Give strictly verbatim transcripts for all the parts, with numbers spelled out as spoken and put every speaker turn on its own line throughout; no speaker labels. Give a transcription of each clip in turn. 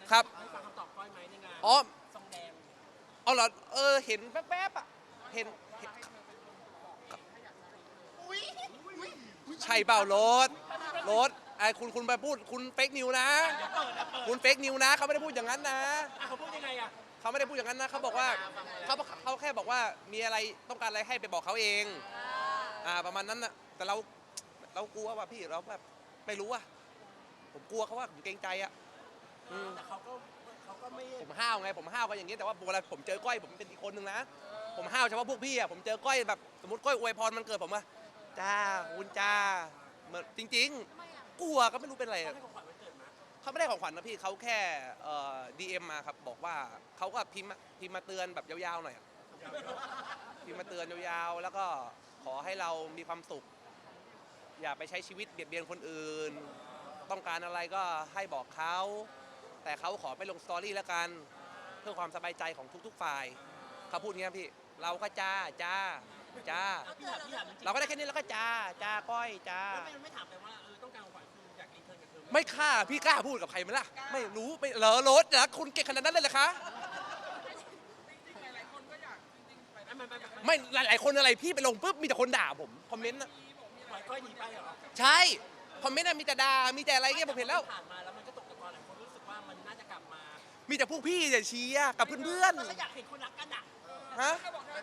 ครับ
ฟังคำตอบก้อยไหมในงาน
อ๋อ
ซองแดง
เอาเหรอเออเห็นแวบๆอ่ะเห็นใช่เปล่ารถรถไอ้คุณคุณไปพูดคุณเฟกนิวนะคุณเฟกนิวนะเขาไม่ได้พูดอย่างนั้นนะ
เขาพูดยังไงอ่ะ
เขาไม่ได้พูดอย่างนั้นนะเขาบอกว่าเขาเขาแค่บอกว่ามีอะไรต้องการอะไรให้ไปบอกเขาเองอ่าประมาณนั้นนะแต่เราเรากลัวว่ะพี่เราแบบไม่รู้อ่ะผมกลัวเขาว่าผมเกรงใจอ่ะ
แต่เขาก็เขาก็ไม่
ผมห้าวไงผมห้าวก็อย่างนี้แต่ว่าเวลาผมเจอก้อยผมเป็นอีกคนนึงนะผมห้าวเฉพาะพวกพี่อ่ะผมเจอก้อยแบบสมมติก้อยอวยพรมันเกิดผมว่าจ้าคุณจ้าเหมือนจริงๆกลัวก็ไม่รู้เป็นอะไร
ให้ของขวัญวันเกิดมา
เขาไม่ได้ของขวัญนะพี่เขาแค่เอ่อดีเอ็มมาครับบอกว่าเขาก็พิมพ์พิมพ์มาเตือนแบบยาวๆหน่อยพิมพ์มาเตือนยาวๆแล้วก็ขอให้เรามีความสุขอย่าไปใช้ชีวิตเบียดเบียนคนอื่นต้องการอะไรก็ให้บอกเขาแต่เขาขอไม่ลงสตอรี่แล้วกันเพื่อความสบายใจของทุกๆฝ่ายเขาพูดงี้พี่เราก็จ้าจ้าจ้าเราก็ได้แค่นี้แล้วก็จ้าจ้าก้อยจ้า
ไม่ไม่ถามแต่ว่าเออต้องการของขวัญคืออยากรีเทิร์นกับเธอ
ไม่ค่าพี่กล้าพูดกับใครไหมล่ะไม่รู้ไม่เหรอรถนะคุณเก่งขนาดนั้นเลยเหรอคะไม่หลายๆคนอะไรพี่ไปลงปุ๊บมีแต่คนด่าผมคอมเมนต์นะ
ปล่อยก้อยหนีไปเหรอ
ใช่คอมเมนต์มีแต่ด่ามีแต่อะไรเงี้ยผมเห็นแล้ว
ผ่านมาแล้วมันก็ตกตะกอนหลายคนรู้สึกว่ามันน่าจะกลับมา
มีแต่พวกพี่จะเชียร์กับเพื่อน
ๆอยากเห็นคนรักกันอ่ะ
ฮะ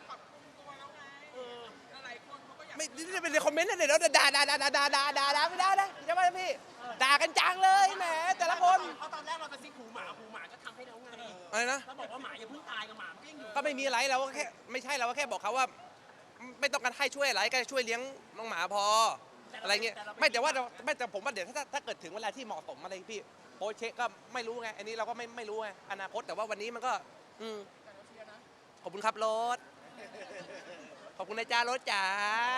ไม่นี่เป็นในคอมเมนต์นะเดี๋ยวด่าด่าด่าด่าด่าด่าด่าด่าไม่ได้นะใช่ไหมพี่ด่ากันจังเลยแหมแต่ละคน
เพราะตอนแรกเรากระซิบหูหมาหูหมาก็ทำให้เราไง
อะไรนะ
เราบอกว่าหมาอย่าเพิ่งตายกับหมาก็ยังอยู่
ก็ไม่มีอะไรเราก็แค่ไม่ใช่เราก็แค่บอกเขาว่าไม่ต้องการให้ช่วยอะไรก็ช่วยเลี้ยงน้องหมาพออะไรเงี้ยไม่แต่ว่าไม่แต่ผมว่าเดี๋ยวถ้าถ้าเกิดถึงเวลาที่เหมาะสมอะไรพี่โพสเช็คก็ไม่รู้ไงอันนี้เราก็ไม่ไม่รู้ไงอนาคตแต่ว่าวันนี้มันก็อืมขอบคุณครับรถขอบคุณนะจ้ารถจ๋า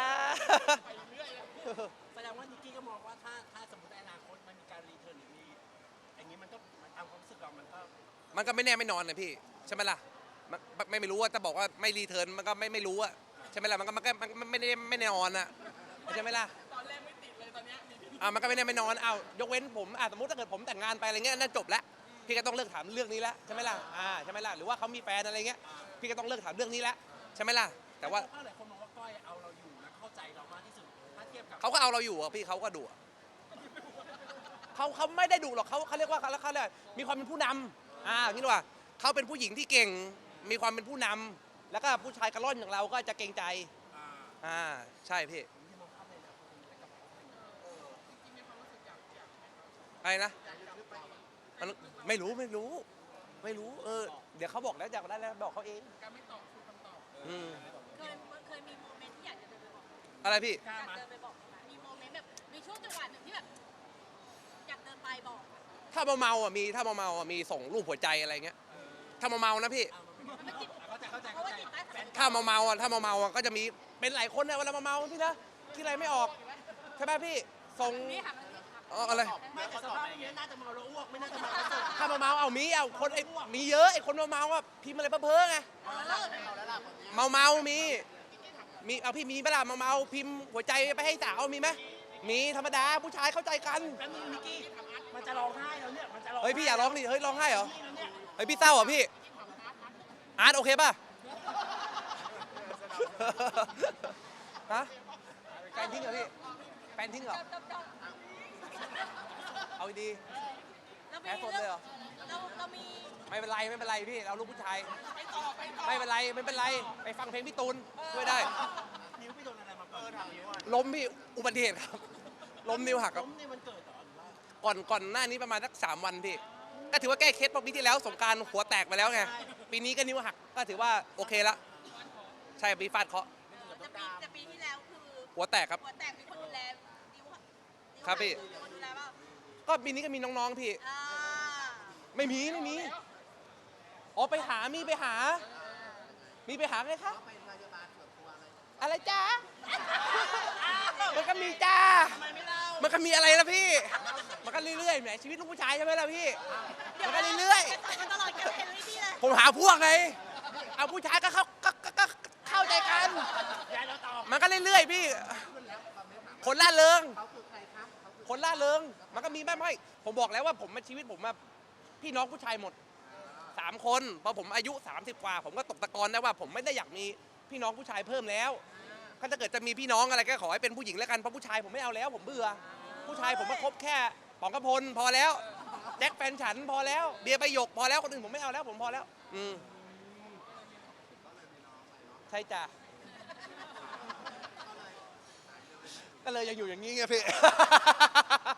แสดงว่านิกกี้ก็มองว่าถ้าถ้าสมมติในอนาคตมันมีการรีเทิร์นหรือมีอย่างนี้มันก็ตามความรู้สึกเรามันก็
มันก็ไม่แน่ไม่นอนนะพี่ใช่ไหมล่ะไม่ไม่รู้ว่าจะบอกว่าไม่รีเทิร์นมันก็ไม่ไม่รู้อะใช่ไหมล่ะมันก็มันก็มันไม่ได้ไม่แน่นอนอะใช่ไหมล่ะ
ตอนแรกไม่ติดเลยตอนนี้
อ่ามันก็ไม่แน่ไม่นอนอ้าวยกเว้นผมอ่าสมมติถ้าเกิดผมแต่งงานไปอะไรเงี้ยนั่นจบแล้วพี่ก็ต้องเลิกถามเรื่องนี้แล้วใช่ไหมล่ะอ่าใช่ไหมล่ะหรือว่าเขามีแฟนอะไรเงี้ยพี่ก็ต้องเลิกถามเรื่องนี้แล้วใช่ไหมล่ะแต่ว่า
หลายคนมองว่าก้อยเอาเราอยู่และเข้าใจเรามากที่สุดถ้าเทียบกับ
เขาก็เอาเราอยู่อ่ะพี่เขาก็ดุเขาเขาไม่ได้ดุหรอกเขาเขาเรียกว่าเขาเขาเรียกมีความเป็นผู้นำอ่างี้ดีกว่าเขาเป็นผู้หญิงที่เก่งมีความเป็นผู้นำแล้วก็ผู้ชายกระล่อนอย่างเราก็จะเกรงใจอ่าใช่พี่อะไรนะมันไม่รู้ไม่รู้ไม่รู้เออเดี๋ยวเขาบอกแล้วจากได้แล้วบอกเขาเองการไม่ตอบคือคำตอบอืม
เคยเคยมีโมเมนต์ที่อยากจะเดินไปบอก
อะไรพี่
อยากเดินไปบอกมีโมเมนต์แบบมีช่วงจังหวะหนึ่งที่แบบอยากเดินไปบอก
ถ้าเมาเมาอ่ะมีถ้าเมาเมาอ่ะมีส่งรูปหัวใจอะไรเงี้ยถ้าเมาเมานะพี่ถ้าเมาเมาอ่ะถ้าเมาเมาอ่ะก็จะมีเป็นหลายคนนะเวลาเมาเมาพี่นะคิดอะไรไม่ออกใช่ไหมพี่ส่งอะไร
ไม่แต่สภาพนี้น่าจะเมาแล้วอ้วกไม่น่าจะเมาแล้ว
ถ้าเมาเมาเอามีเอาคนไอ้มีเยอะไอ้คนเมาเมาอ่ะพิมพ์อะไรเพ้อไงเมาเมามีมีเอาพี่มีเวลาเมาเมาพิมพ์หัวใจไปให้สาวมีไหมมีธรรมดาผู้ชายเข้าใจกัน
แล้วมีนิกกี้มันจะร้องไห้แล้วเนี่ยมันจะร้อง
เฮ้ยพี่อย่าร้องดิเฮ้ยร้องไห้เหรอเฮ้ยพี่เศร้าเหรอพี่อาร์ตโอเคป่ะฮะแฟนทิ้งเหรอพี่แฟนทิ้งเหรอเอาดีแอบสดเลยเหรอ
เราเรามี
ไม่เป็นไรไม่เป็นไรพี่เราลูกผู้ชายไม่เป็นไรไม่เป็นไรไปฟังเพลงพี่ตูนช่วยได้
นิ้วพี่โดนอะไรมาเปิดทางนิ้วอ่ะ
ล้มพี่อุบัติเหตุครับล้มนิ้วหักครับ
ล้มในวันเกิดเหรอหรือว่า
ก่อนก่อนหน้านี้ประมาณสักสามวันพี่ก็ถือว่าแก้เคล็ดเพราะปีที่แล้วสงกรานต์หัวแตกไปแล้วไงปีนี้ก็นิ้วหักก็ถือว่าโอเคละใช่ปีฟาดเคาะ
แต่ปีแต่ปีที่แล้วคือ
หัวแตกครับ
หัวแตกมีคนดูแลนิ้ว
ครับพี่
คนดูแลป่ะ
ก็ปีนี้ก็มีน้องๆพี่ไม่มีไม่มีอ๋อไปหามีไปหามีไปหาไงคะอะไรจ้ามันก็มีจ้ามันก็มีอะไรละพี่มันก็เรื่อยๆแหมชีวิตลูกผู้ชายใช่ไหมล่ะพี่มันก็เรื่อยๆผมหาพวกไงเอาผู้ชายก็เข้าก็เข้าใจกันมันก็เรื่อยๆพี่คนล่าเริงคนล่าเริงมันก็มีแม่ไม่ผมบอกแล้วว่าผมมาชีวิตผมมาพพี่น้องผู้ชายหมดสามคนพอผมอายุสามสิบกว่า ผมก็ตกตะกอนได้ว่าผมไม่ได้อยากมีพี่น้องผู้ชายเพิ่มแล้วถ้าเกิดจะมีพี่น้องอะไรก็ขอให้เป็นผู้หญิงแล้วกันเพราะผู้ชายผมไม่เอาแล้วผมเบื่อผู้ชายผมมาคบแค่ป๋องกระพลพอแล้วแจ็คแฟนฉันพอแล้วเบียร์ใบหยกพอแล้วคนอื่นผมไม่เอาแล้วผมพอแล้วอืมใช่จ้ะก็เลยยังอยู่อย่างนี้ไงพี่